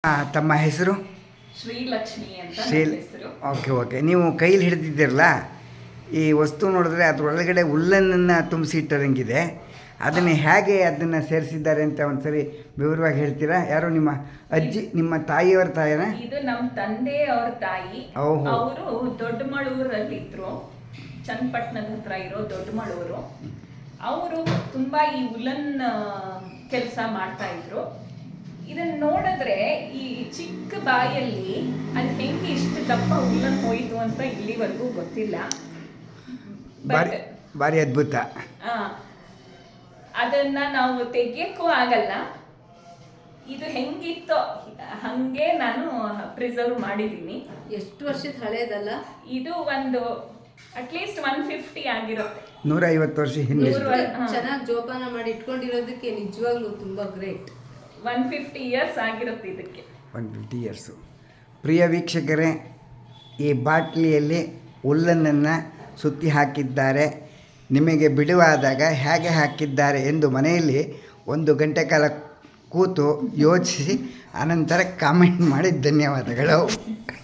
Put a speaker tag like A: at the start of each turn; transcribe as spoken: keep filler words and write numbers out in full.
A: ತಮ್ಮ ಹೆಸರು?
B: ಶ್ರೀಲಕ್ಷ್ಮಿ ಅಂತ
A: ಶ್ರೀ
B: ಹೆಸರು.
A: ಓಕೆ ಓಕೆ ನೀವು ಕೈಲಿ ಹಿಡಿದಿದ್ದೀರಲ್ಲ, ಈ ವಸ್ತು ನೋಡಿದ್ರೆ ಅದರೊಳಗಡೆ ಹುಲ್ಲನ್ನು ತುಂಬಿಸಿಟ್ಟರಂಗಿದೆ. ಅದನ್ನು ಹೇಗೆ ಅದನ್ನು ಸೇರಿಸಿದ್ದಾರೆ ಅಂತ ಒಂದ್ಸರಿ ವಿವರವಾಗಿ ಹೇಳ್ತೀರಾ? ಯಾರು ನಿಮ್ಮ ಅಜ್ಜಿ, ನಿಮ್ಮ ತಾಯಿಯವರ ತಾಯಿನ?
B: ಇದು ನಮ್ಮ ತಂದೆ ಅವ್ರ ತಾಯಿ. ಅವರು ದೊಡ್ಡಮಳೂರಲ್ಲಿದ್ರು, ಚನ್ನಪಟ್ಟಣದ ಹತ್ರ ಇರೋ ದೊಡ್ಡಮಳೂರು. ಅವರು ತುಂಬಾ ಈ ಉಲನ್ ಕೆಲಸ ಮಾಡ್ತಾ ಇದ್ರು. ಇದನ್ನ ನೋಡಿದ್ರೆ ಈ ಚಿಕ್ಕ ಬಾಯಲ್ಲಿ ಅದು ಹೆಂಗೆ ಇಷ್ಟು ದಪ್ಪ ಉಲ್ಲನ್ ಹೋಯ್ತು ಅಂತ ಇಲ್ಲಿವರೆಗೂ ಗೊತ್ತಿಲ್ಲ.
A: ಬಾರಿ ಭಾರಿ ಅದ್ಭುತ.
B: ಅದನ್ನ ನಾವು ತೆಗಿಯಕ್ಕೂ ಆಗಲ್ಲ. ಇದು ಹೆಂಗಿತ್ತೋ ಹಂಗೆ ನಾನು ಪ್ರಿಸರ್ವ್ ಮಾಡಿದ್ದೀನಿ.
C: ಎಷ್ಟು ವರ್ಷದ ಹಳೇದಲ್ಲ
B: ಇದು? ಒಂದು ಅಟ್ಲೀಸ್ಟ್ ಒನ್ ಫಿಫ್ಟಿ ಆಗಿರುತ್ತೆ.
A: ನೂರ ಐವತ್ತು ವರ್ಷ ಹಿಂದೆ
C: ಚೆನ್ನಾಗಿ ಜೋಪಾನ ಮಾಡಿ ಇಟ್ಕೊಂಡಿರೋದಕ್ಕೆ ನಿಜವಾಗ್ಲೂ ತುಂಬಾ ಗ್ರೇಟ್.
B: ಒನ್ ಫಿಫ್ಟಿ ಇಯರ್ಸ್ ಆಗಿರುತ್ತೆ ಇದಕ್ಕೆ.
A: One fifty years. ಪ್ರಿಯ ವೀಕ್ಷಕರೇ, ಈ ಬಾಟ್ಲಿಯಲ್ಲಿ ಹುಲ್ಲನ್ನು ಸುತ್ತಿ ಹಾಕಿದ್ದಾರೆ. ನಿಮಗೆ ಬಿಡುವಾದಾಗ ಹೇಗೆ ಹಾಕಿದ್ದಾರೆ ಎಂದು ಮನೆಯಲ್ಲಿ ಒಂದು ಗಂಟೆ ಕಾಲ ಕೂತು ಯೋಚಿಸಿ ಅನಂತರ ಕಾಮೆಂಟ್ ಮಾಡಿ ಧನ್ಯವಾದಗಳು.